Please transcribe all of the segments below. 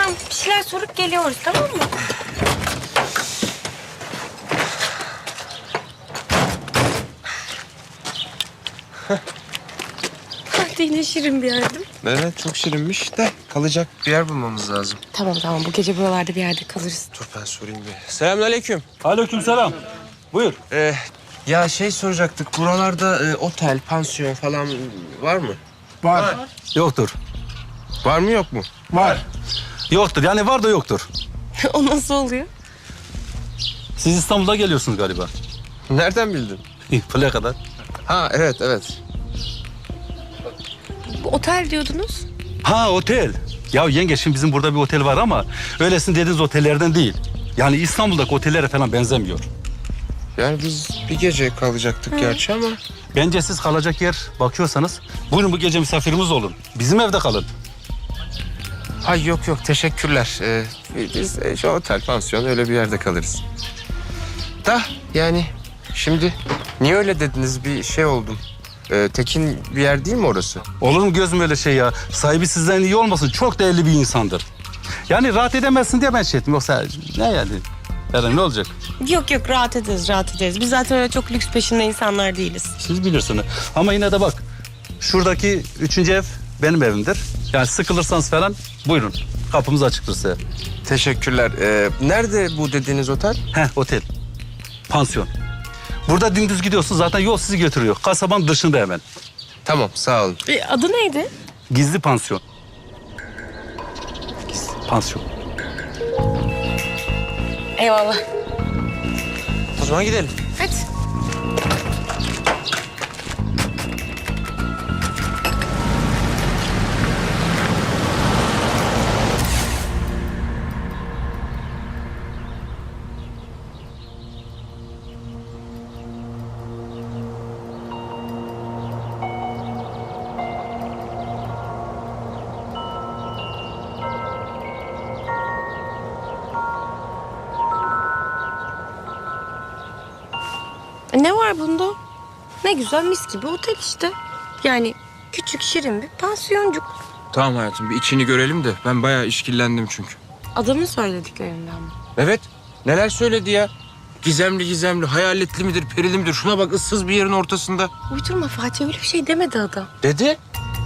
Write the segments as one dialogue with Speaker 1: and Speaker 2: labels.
Speaker 1: Tamam, bir şeyler sorup geliyoruz, tamam mı? Hadi yine şirin bir yerdim.
Speaker 2: Evet, çok şirinmiş de kalacak bir yer bulmamız lazım.
Speaker 1: Tamam, bu gece buralarda bir yerde kalırız.
Speaker 2: Dur ben sorayım bir. Selamünaleyküm.
Speaker 3: Aleykümselam. Buyur.
Speaker 2: Ya şey soracaktık, buralarda otel, pansiyon falan var mı?
Speaker 3: Var. Yoktur.
Speaker 2: Var mı yok mu?
Speaker 3: Var. Yoktur. Yani var da yoktur.
Speaker 1: O nasıl oluyor?
Speaker 3: Siz İstanbul'da geliyorsunuz galiba.
Speaker 2: Nereden bildin?
Speaker 3: Buraya kadar.
Speaker 2: Ha evet.
Speaker 1: Bu otel diyordunuz.
Speaker 3: Ha otel. Ya yenge şimdi bizim burada bir otel var ama öylesine dediğiniz otellerden değil. Yani İstanbul'daki otellere falan benzemiyor.
Speaker 2: Yani biz bir gece kalacaktık gerçi ama...
Speaker 3: Bence siz kalacak yer bakıyorsanız buyurun bu gece misafirimiz olun. Bizim evde kalın.
Speaker 2: Ay yok teşekkürler. Biz şu otel, pansiyon öyle bir yerde kalırız. Da yani şimdi niye öyle dediniz, bir şey oldum. Tekin bir yer değil mi orası?
Speaker 3: Olur mu gözüm öyle şey ya? Sahibi sizden iyi olmasın, çok değerli bir insandır. Yani rahat edemezsin diye ben şey ettim. Yoksa ne yani? Eren ne olacak?
Speaker 1: Yok rahat ederiz. Biz zaten öyle çok lüks peşinde insanlar değiliz.
Speaker 3: Siz bilirsiniz. Ama yine de bak, şuradaki 3. ev benim evimdir. Yani sıkılırsanız falan buyurun. Kapımız açıktır size.
Speaker 2: Teşekkürler. Nerede bu dediğiniz otel?
Speaker 3: Otel. Pansiyon. Burada dümdüz gidiyorsun, zaten yol sizi götürüyor. Kasabanın dışında hemen.
Speaker 2: Tamam, sağ olun.
Speaker 1: Adı neydi?
Speaker 3: Gizli pansiyon. Gizli pansiyon.
Speaker 1: Eyvallah.
Speaker 2: O zaman gidelim.
Speaker 1: Hadi. Ne var bunda? Ne güzel mis gibi otel işte. Yani küçük şirin bir pansiyoncuk.
Speaker 2: Tamam hayatım, bir içini görelim de. Ben bayağı işkillendim çünkü.
Speaker 1: Adamın söylediklerinden mi?
Speaker 2: Evet, neler söyledi ya? Gizemli, hayaletli midir, perili midir? Şuna bak, ıssız bir yerin ortasında.
Speaker 1: Uydurma Fatih, öyle bir şey demedi adam.
Speaker 2: Dedi.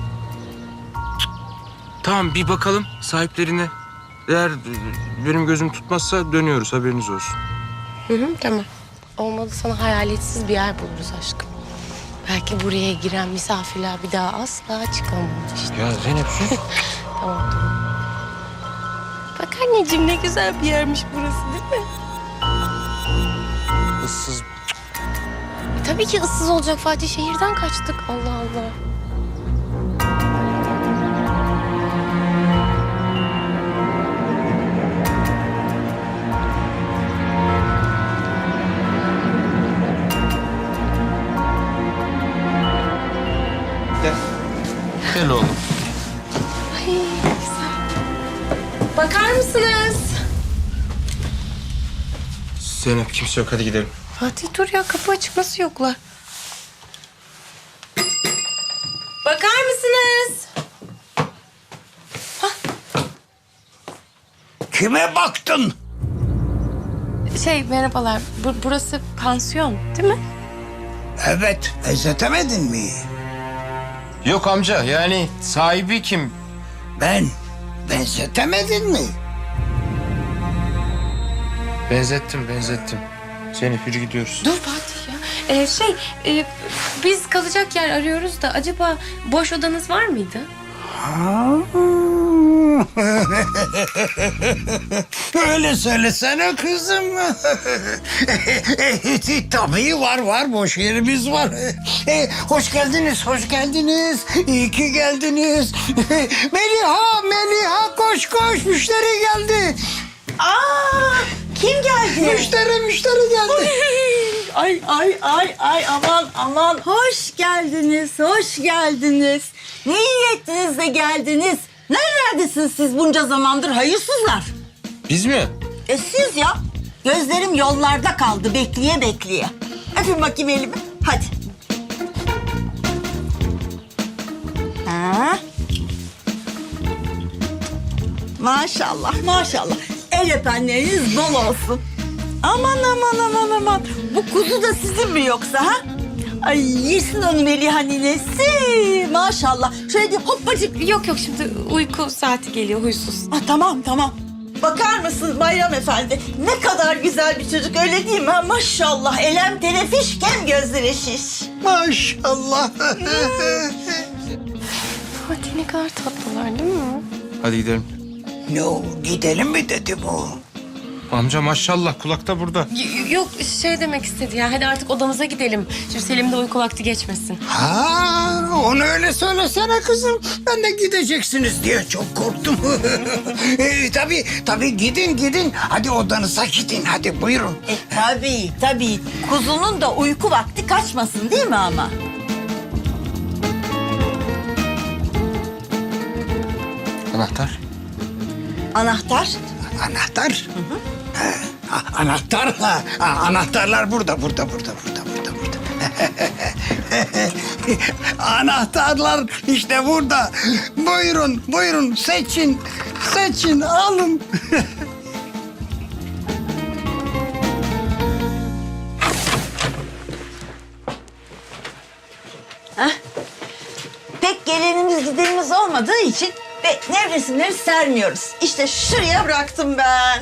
Speaker 2: Tamam, bir bakalım sahiplerine. Eğer benim gözüm tutmazsa dönüyoruz, haberiniz olsun.
Speaker 1: Tamam. Olmadı sana hayaletsiz bir yer buluruz aşkım. Belki buraya giren misafirler bir daha asla çıkamamış.
Speaker 2: Ya Zeynep sus.
Speaker 1: Tamam. Bak anneciğim, ne güzel bir yermiş burası değil mi?
Speaker 2: Issız.
Speaker 1: Tabii ki ıssız olacak Fatih. Şehirden kaçtık. Allah Allah.
Speaker 2: Gel oğlum.
Speaker 1: Ay güzel. Bakar mısınız?
Speaker 2: Zeynep, kimse yok, hadi gidelim.
Speaker 1: Fatih dur ya, kapı açık, nasıl yoklar? Bakar mısınız?
Speaker 4: Kime baktın?
Speaker 1: Merhabalar. Burası pansiyon değil mi?
Speaker 4: Evet, benzetemedin mi?
Speaker 2: Yok amca, yani sahibi kim?
Speaker 4: Ben, benzetemedin mi?
Speaker 2: Benzettim. Zeynep, yürü gidiyoruz.
Speaker 1: Dur Fatih ya. Biz kalacak yer arıyoruz da acaba boş odanız var mıydı?
Speaker 4: Öyle söylesene kızım. Tabii var, boş yerimiz var. Hoş geldiniz. İyi ki geldiniz. Meliha, koş, müşteri geldi.
Speaker 5: Kim geldi?
Speaker 4: Müşteri geldi.
Speaker 5: Ay aman. Hoş geldiniz. Ne iyi ettiniz de geldiniz. Nerelerdesiniz siz bunca zamandır hayırsızlar?
Speaker 2: Biz mi?
Speaker 5: Siz ya. Gözlerim yollarda kaldı bekleye. Öpün bakayım elimi. Hadi. Ha? Maşallah maşallah. El öpenleriniz bol olsun. Aman aman aman aman. Bu kuzu da sizin mi yoksa ha? Ay yesin onu Meliha ninesi. Maşallah. Şöyle bir hoppacık.
Speaker 1: Yok şimdi uyku saati geliyor huysuz.
Speaker 5: Tamam tamam. Bakar mısın Bayram Efendi? Ne kadar güzel bir çocuk öyle değil mi? Ha? Maşallah elem tenefişken gözleri şiş.
Speaker 4: Maşallah.
Speaker 1: Fatih ne kadar tatlılar değil mi?
Speaker 2: Hadi gidelim.
Speaker 4: Yo, gidelim mi dedi bu?
Speaker 2: Amca maşallah kulakta burada.
Speaker 1: Yok şey demek istedi ya. Hadi artık odamıza gidelim. Şimdi Selim de uyku vakti geçmesin.
Speaker 4: Ha, onu öyle söylesene kızım. Ben de gideceksiniz diye çok korktum. Tabii gidin. Hadi odanıza gidin. Hadi buyurun.
Speaker 5: Tabii. Kuzunun da uyku vakti kaçmasın değil mi ama?
Speaker 2: Anahtar.
Speaker 5: Anahtar?
Speaker 4: Anahtar? Anahtar. Anahtarlar burada. Anahtarlar işte burada. Buyurun seçin alın.
Speaker 5: Pek gelenimiz gidenimiz olmadığı için ve nevresimleri sermiyoruz. İşte şuraya bıraktım ben.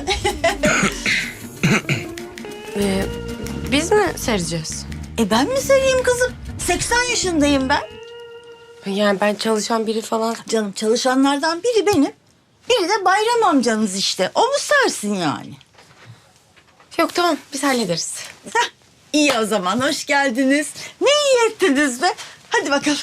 Speaker 1: Biz mi sereceğiz?
Speaker 5: Ben mi sereyim kızım? 80 yaşındayım ben.
Speaker 1: Yani ben çalışan biri falan.
Speaker 5: Canım çalışanlardan biri benim. Biri de Bayram amcanız işte. O mu sersin yani?
Speaker 1: Yok tamam biz hallederiz.
Speaker 5: Heh, iyi o zaman hoş geldiniz. Ne iyi ettiniz be. Hadi bakalım.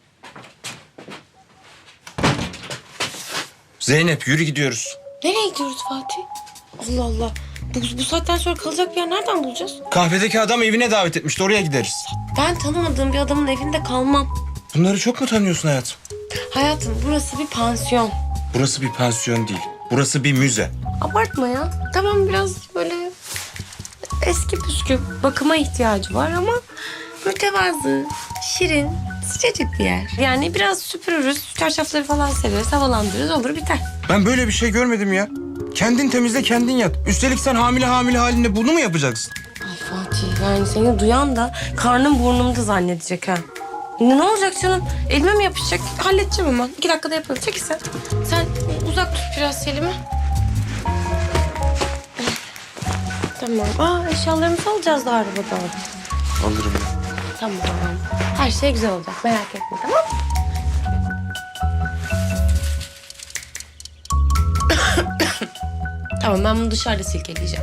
Speaker 2: Zeynep yürü gidiyoruz.
Speaker 1: Nereye gidiyoruz Fatih? Allah Allah. Bu saatten sonra kalacak bir yer nereden bulacağız?
Speaker 2: Kahvedeki adam evine davet etmişti, oraya gideriz.
Speaker 1: Ben tanımadığım bir adamın evinde kalmam.
Speaker 2: Bunları çok mu tanıyorsun hayatım?
Speaker 1: Hayatım burası bir pansiyon.
Speaker 2: Burası bir pansiyon değil. Burası bir müze.
Speaker 1: Abartma ya. Tamam biraz böyle eski püskü bakıma ihtiyacı var ama mütevazı, şirin, sıcacık bir yer. Yani biraz süpürürüz, çarşafları falan sereriz, havalandırırız olur biter.
Speaker 2: Ben böyle bir şey görmedim ya. Kendin temizle kendin yat. Üstelik sen hamile halinde bunu mu yapacaksın?
Speaker 1: Ay Fatih yani seni duyan da karnım burnumda zannedecek ha. Ne olacak canım? Elime mi yapışacak? Halledeceğim hemen. 2 dakikada yaparım. Çekil sen. Sen uzak tut biraz Selim'i. Tamam. Eşyalarımızı alacağız da arabadan.
Speaker 2: Alırım ya.
Speaker 1: Tamam. Her şey güzel olacak. Merak etme tamam mı? Tamam ben bunu dışarıda silkeleyeceğim.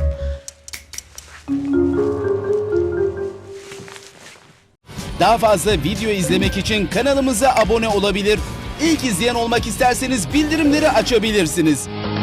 Speaker 6: Daha fazla video izlemek için kanalımıza abone olabilir. İlk izleyen olmak isterseniz bildirimleri açabilirsiniz.